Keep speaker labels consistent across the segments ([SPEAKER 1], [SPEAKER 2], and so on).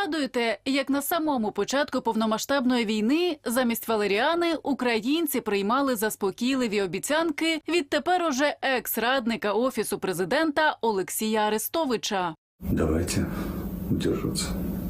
[SPEAKER 1] Пригадуєте, як на самому початку повномасштабної війни замість валеріани українці приймали заспокійливі обіцянки від тепер уже екс-радника Офісу президента Олексія Арестовича.
[SPEAKER 2] Давайте удерживаться.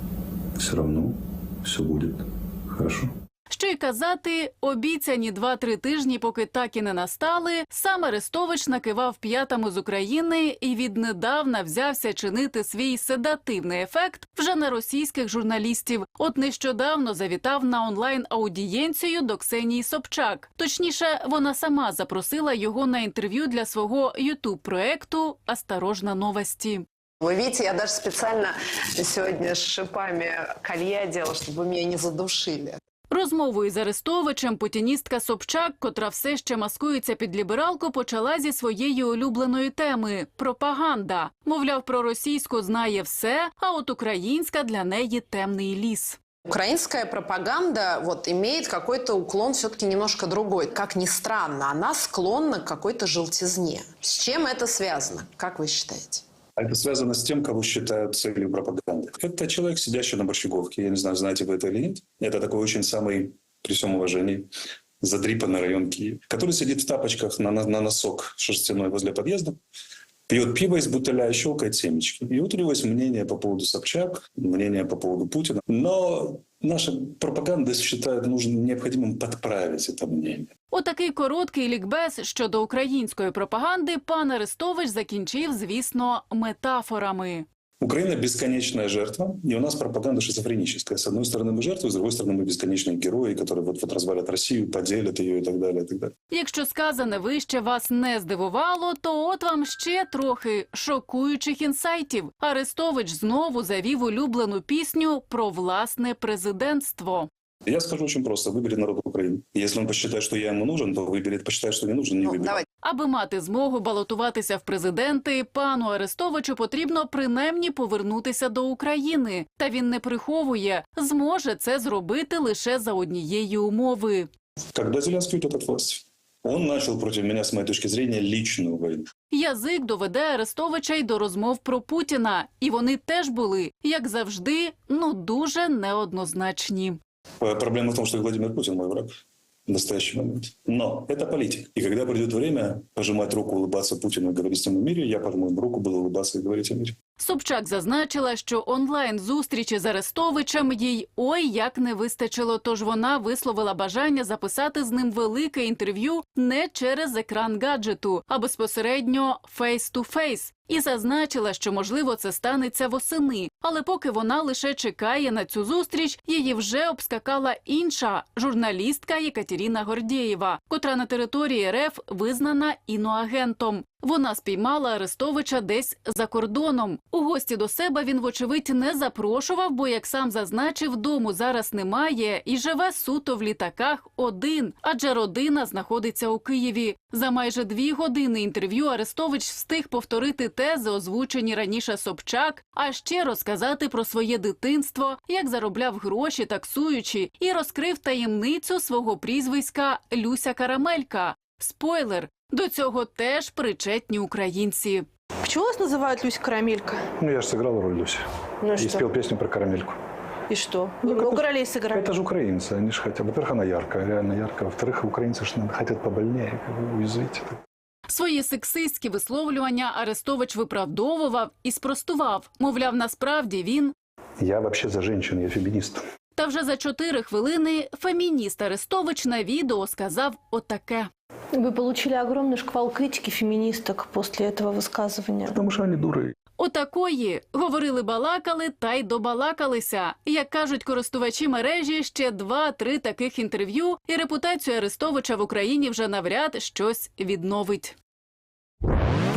[SPEAKER 2] Все равно все будет хорошо.
[SPEAKER 1] Що й казати, обіцяні 2-3 тижні, поки так і не настали, сам Арестович накивав п'ятами з України і віднедавна взявся чинити свій седативний ефект вже на російських журналістів. От нещодавно завітав на онлайн-аудієнцію до Ксенії Собчак. Точніше, вона сама запросила його на інтерв'ю для свого ютуб-проекту «Осторожно, новости».
[SPEAKER 3] Вы видите, я даже специально сегодня с шипами колье одела, чтобы меня не задушили.
[SPEAKER 1] Розмовою з Арестовичем путіністка Собчак, котра все ще маскується під лібералку, почала зі своєї улюбленої теми – пропаганда. Мовляв, про російську знає все, а от українська для неї темний ліс.
[SPEAKER 3] Украинская пропаганда имеет какой-то уклон все-таки немножко другой. Как ни странно, она склонна к какой-то желтизне. С чем это связано, как вы считаете?
[SPEAKER 2] Это связано с тем, кого считают целью пропаганды. Это человек, сидящий на борщеговке. Я не знаю, знаете вы это или нет. Это такой очень самый, при всем уважении, задрипанный район Киева, который сидит в тапочках на носок шерстяной возле подъезда, пьет пиво из бутыля и щелкает семечки. И вот у него есть мнение по поводу Собчак, мнение по поводу Путина. Но наша пропаганда считает необходимым подправить это мнение.
[SPEAKER 1] Отакий короткий лікбез щодо української пропаганди пан Арестович закінчив, звісно, метафорами.
[SPEAKER 2] Украина – бесконечная жертва, и у нас пропаганда шизофреническая. С одной стороны мы жертвы, с другой стороны мы бесконечные герои, которые вот развалят Россию, поделят ее и так далее, и так далее.
[SPEAKER 1] Якщо сказане вище вас не здивувало, то от вам ще трохи шокуючих інсайтів. Арестович знову завів улюблену пісню про власне президентство.
[SPEAKER 2] Я скажу очень просто. Выберет народ Украины. Если он посчитает, что я ему нужен, то выберет, посчитает, что не нужен, не выберет.
[SPEAKER 1] Аби мати змогу балотуватися в президенти, пану Арестовичу потрібно принаймні повернутися до України. Та він не приховує, зможе це зробити лише за однієї умови.
[SPEAKER 2] Когда Зеленский уйдет от власти? Он начал против меня, с моей точки зрения, личную войну.
[SPEAKER 1] Язик доведе Арестовича й до розмов про Путіна. І вони теж були, як завжди, дуже неоднозначні.
[SPEAKER 2] Проблема в том, что Владимир Путин мой враг в настоящий момент. Но это политик. И когда придет время пожимать руку, улыбаться Путину и говорить с ним о мире, я пожму ему руку, буду улыбаться и говорить о мире.
[SPEAKER 1] Собчак зазначила, що онлайн-зустрічі з Арестовичем їй ой як не вистачило, тож вона висловила бажання записати з ним велике інтерв'ю не через екран гаджету, а безпосередньо фейс-ту-фейс. І зазначила, що, можливо, це станеться восени. Але поки вона лише чекає на цю зустріч, її вже обскакала інша журналістка Єкатерина Гордєєва, котра на території РФ визнана іноагентом. Вона спіймала Арестовича десь за кордоном. У гості до себе він, вочевидь, не запрошував, бо, як сам зазначив, дому зараз немає і живе суто в літаках один, адже родина знаходиться у Києві. За майже 2 години інтерв'ю Арестович встиг повторити тези, озвучені раніше Собчак, а ще розказати про своє дитинство, як заробляв гроші таксуючи, і розкрив таємницю свого прізвиська Люся Карамелька. Спойлер! До цього теж причетні українці.
[SPEAKER 4] Почему вас называют Люся Карамелька?
[SPEAKER 5] Я же сыграл роль Люси.
[SPEAKER 4] Ну и
[SPEAKER 5] И
[SPEAKER 4] что?
[SPEAKER 5] спел песню про карамельку.
[SPEAKER 4] И что? Вы много ролей сыграли.
[SPEAKER 5] Это же украинцы, они же хотят. Во-первых, она яркая, реально яркая. Во-вторых, украинцы же хотят побольнее, уязвить.
[SPEAKER 1] Свої сексистські висловлювання Арестович виправдовував і спростував. Мовляв, насправді він...
[SPEAKER 5] Я вообще за женщин, я феминист.
[SPEAKER 1] Та вже за 4 хвилини фемініст Арестович на відео сказав отаке.
[SPEAKER 4] Вы получили огромный шквал критики феминисток после этого высказывания.
[SPEAKER 5] Потому что они дуры.
[SPEAKER 1] Отакої. Говорили-балакали та й добалакалися. Як кажуть користувачі мережі, ще 2-3 таких інтерв'ю і репутацію Арестовича в Україні вже навряд щось відновить.